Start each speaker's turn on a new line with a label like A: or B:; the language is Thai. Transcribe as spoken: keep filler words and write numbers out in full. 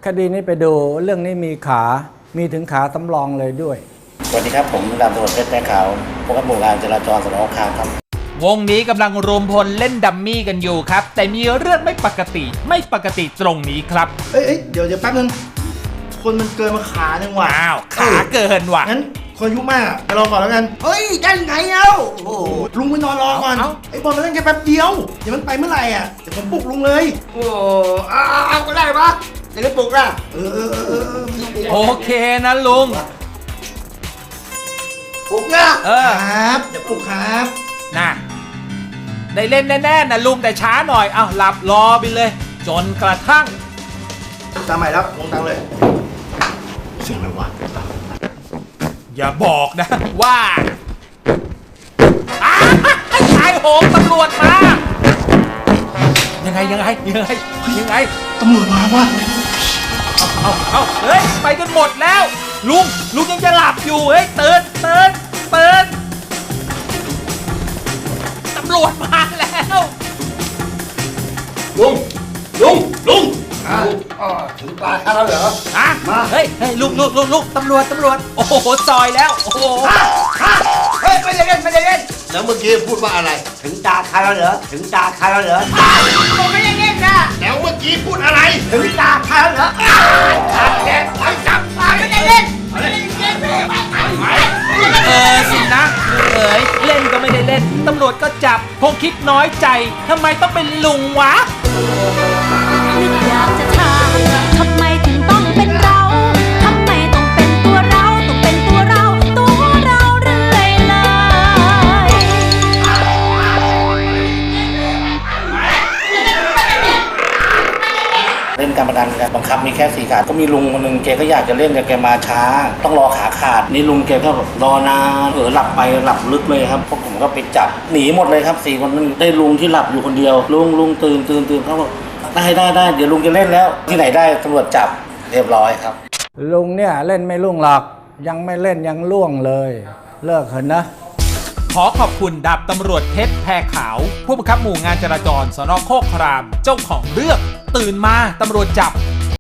A: คดีนี้ไปดูเรื่องนี้มีขามีถึงขาสำรองเลยด้วย
B: สวัสดีครับผมดาบตำรวจเพชรแป้ขาวผู้กำกับหมู่งานจราจรสน.คามครับ
C: วงนี้กำลังรวมพลเล่นดัมมี่กันอยู่ครับแต่มีเรื่องไม่ปกติไม่ปกติตรงนี้ครับ
D: เอ้ยเดี๋ยวเดี๋ยวแป๊บนึงคนมันเกินมาขาหนึ่งว่ะ
C: อ้าวขาเกินว่ะ
D: งั้นคนอายุมากไปรอก่อนแล้วกันเฮ้ยได้ไงเอ้าโอ้ลุงไปนอนรอก่อนไอ้บอลมันเล่นแค่แป๊บเดียวเดี๋ยวมันไปเมื่อไหร่อ่ะเดี๋ยวผมปลุกลุงเลยโอ้เอาเอาก็ได้ปะจะได้ปลุกอ่ะเออเออเออเออ
C: โอเคนะลุง
D: ปลุกนะเออครับเดี๋ยวปลุกครับ
C: น่ะได้เล่นแน่ๆนะลุงแต่ช้าหน่อยเอาหลับรอไปเลยจนกระทั่ง
D: ตามใหม่แล้วลงตังเลยเสียงอะไรวะ
C: อย่าบอกนะว่าอ้าชายโหงตำรวจมายังไงยังไงยังไงยังไง
D: ตำรวจมาวะ
C: เอาเอาเอาเฮ้ยไปกันหมดแล้วลุงลุงยังจะหลับอยู่เฮ้ยตื่นตื่นตื่นตำรวจมาแล้ว
D: ลุงลุงลุงอ่าถึงตาข้าแล้วเหรอ
C: อ่ะมาเฮ้ยเฮ้ยลุงลุงลุงลุงตำรวจตำรวจโอ้โหซอยแล้วโอ้โห
D: เฮ้ยไม่ได้เล่นไม่ได้เล่น
E: แล้วเมื่อกี้พูดว่าอะไร
D: ถึงตาข้าแล้วเหรอถึงตาข้าแล้วเหรอ
E: ผมไม่ได้เล่นนะแล้วเมื่อกี้พูดอะไร
D: ถึงตาข้าแล้วเหรอ
E: ขาดแกไปจับไม่ได้เล่นไม่ได้เล่น
C: เออสินะเอ๋ยเล่นก็ไม่ได้เล่นตำรวจก็จับคงคิดน้อยใจทำไมต้องเป็นลุงวะ
F: นึกอยากจะถามทำไมถึงต้องเป็นเราทำไมต้องเป็นตัวเราต้องเป็นตัวเราตัวเราเรื่อยเลย
B: เล่นการพนันกันบังคับมีแค่สี่ขาก็มีลุงคนหนึ่งแกก็อยากจะเล่นแต่แกมาช้าต้องรอขาขาดนี่ลุงแกก็แบบรอนานเออหลับไปหลับลึกเลยครับพวกผมก็ไปจับหนีหมดเลยครับสี่คนนั้นได้ลุงที่หลับอยู่คนเดียวลุงลุงตื่นตื่นตื่นเขาบอกได้ได้ได้เดี๋ยวลุงจะเล่นแล้วที่ไหนได้ตำรวจจับเรียบร้อยครับ
A: ลุงเนี่ยเล่นไม่ล่วงหรอกยังไม่เล่นยังล่วงเลยเลิกเถอะนะ
C: ขอขอบคุณดาบตำรวจเพชรแพรขาวผู้บังคับหมู่งานจราจรสน.โคกครามเจ้าของเรื่องตื่นมาตำรวจจับ